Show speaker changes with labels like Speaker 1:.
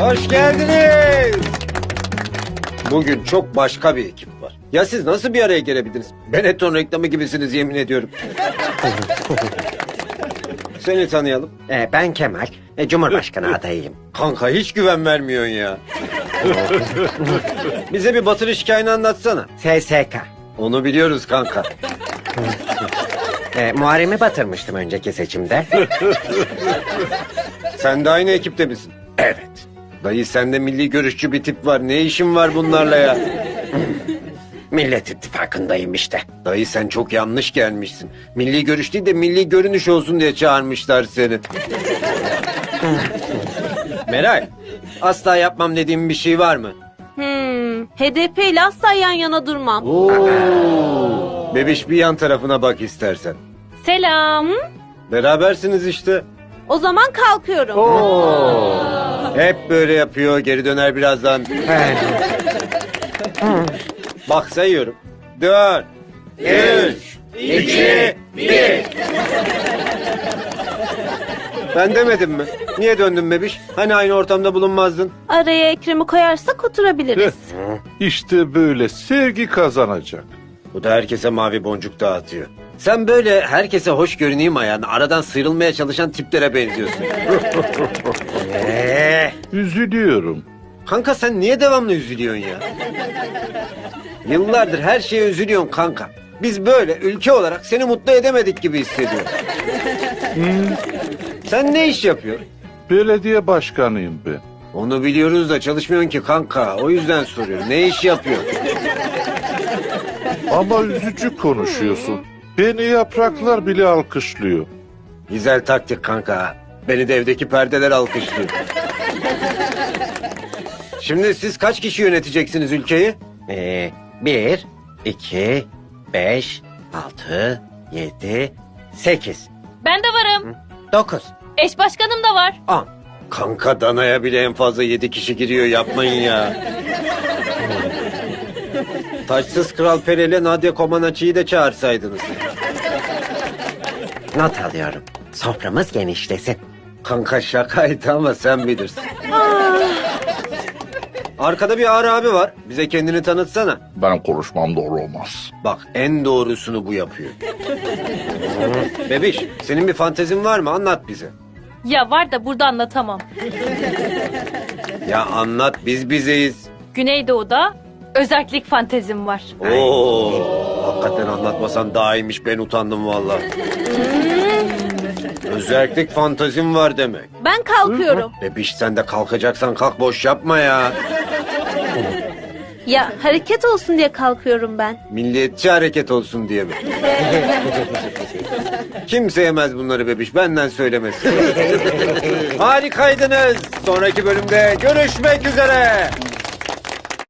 Speaker 1: Hoş geldiniz. Bugün çok başka bir ekip var. Ya siz nasıl bir araya gelebildiniz? Benetton reklamı gibisiniz yemin ediyorum. Seni tanıyalım.
Speaker 2: Ben Kemal, Cumhurbaşkanı adayıyım.
Speaker 1: Kanka hiç güven vermiyorsun ya. Bize bir batırış hikayeni anlatsana.
Speaker 2: SSK.
Speaker 1: Onu biliyoruz kanka.
Speaker 2: Muharrem'i batırmıştım önceki seçimde.
Speaker 1: Sen de aynı ekipte misin?
Speaker 2: Evet.
Speaker 1: Dayı sende milli görüşçü bir tip var. Ne işin var bunlarla ya?
Speaker 2: Millet İttifakı'ndayım işte.
Speaker 1: Dayı sen çok yanlış gelmişsin. Milli görüş değil de milli görünüş olsun diye çağırmışlar seni. Meral, asla yapmam dediğim bir şey var mı?
Speaker 3: HDP ile asla yan yana durmam.
Speaker 1: Bebiş bir yan tarafına bak istersen.
Speaker 3: Selam.
Speaker 1: Berabersiniz işte.
Speaker 3: O zaman kalkıyorum.
Speaker 1: Hep böyle yapıyor, geri döner birazdan. Bak sayıyorum. 4, 3, 2, 1. Ben demedim mi? Niye döndün bebiş? Hani aynı ortamda bulunmazdın?
Speaker 3: Araya Ekrem'i koyarsak oturabiliriz.
Speaker 4: İşte böyle sevgi kazanacak.
Speaker 1: Bu da herkese mavi boncuk dağıtıyor. Sen böyle herkese hoş görüneyim ayağına aradan sıyrılmaya çalışan tiplere benziyorsun.
Speaker 4: Üzülüyorum.
Speaker 1: Kanka sen niye devamlı üzülüyorsun ya? Yıllardır her şeye üzülüyorsun kanka. Biz böyle ülke olarak seni mutlu edemedik gibi hissediyorum. Sen ne iş yapıyorsun?
Speaker 4: Belediye başkanıyım ben.
Speaker 1: Onu biliyoruz da çalışmıyorsun ki kanka. O yüzden soruyorum. Ne iş yapıyorsun?
Speaker 4: Ama üzücü konuşuyorsun. Beni yapraklar bile alkışlıyor.
Speaker 1: Güzel taktik kanka. Beni de evdeki perdeler alkışlıyor. Şimdi siz kaç kişi yöneteceksiniz ülkeyi?
Speaker 2: 1, 2, 5, 6, 7, 8,
Speaker 5: Ben de varım.
Speaker 2: 9,
Speaker 5: Eş başkanım da var.
Speaker 2: 10.
Speaker 1: Kanka danaya bile en fazla 7 kişi giriyor yapmayın ya. Taçsız Kral Peri ile Nadia Comaneci'yi de çağırsaydınız.
Speaker 2: Not alıyorum. Soframız genişlesin.
Speaker 1: Kanka şakaydı ama sen bilirsin. Arkada bir Ağrı abi var. Bize kendini tanıtsana.
Speaker 4: Benim konuşmam doğru olmaz.
Speaker 1: Bak en doğrusunu bu yapıyor. Bebiş senin bir fantezin var mı? Anlat bize.
Speaker 5: Ya var da burada anlatamam.
Speaker 1: Ya anlat biz bizeyiz.
Speaker 5: Güneydoğu'da özellik fantezim var.
Speaker 1: Oo, hakikaten anlatmasan daha iyiymiş ben utandım valla. Özellik fantezim var demek.
Speaker 3: Ben kalkıyorum.
Speaker 1: Bebiş sen de kalkacaksan kalk boş yapma ya.
Speaker 3: Ya hareket olsun diye kalkıyorum ben.
Speaker 1: Milliyetçi hareket olsun diye mi? Kimse yemez bunları bebiş benden söylemesin. Harikaydınız. Sonraki bölümde görüşmek üzere.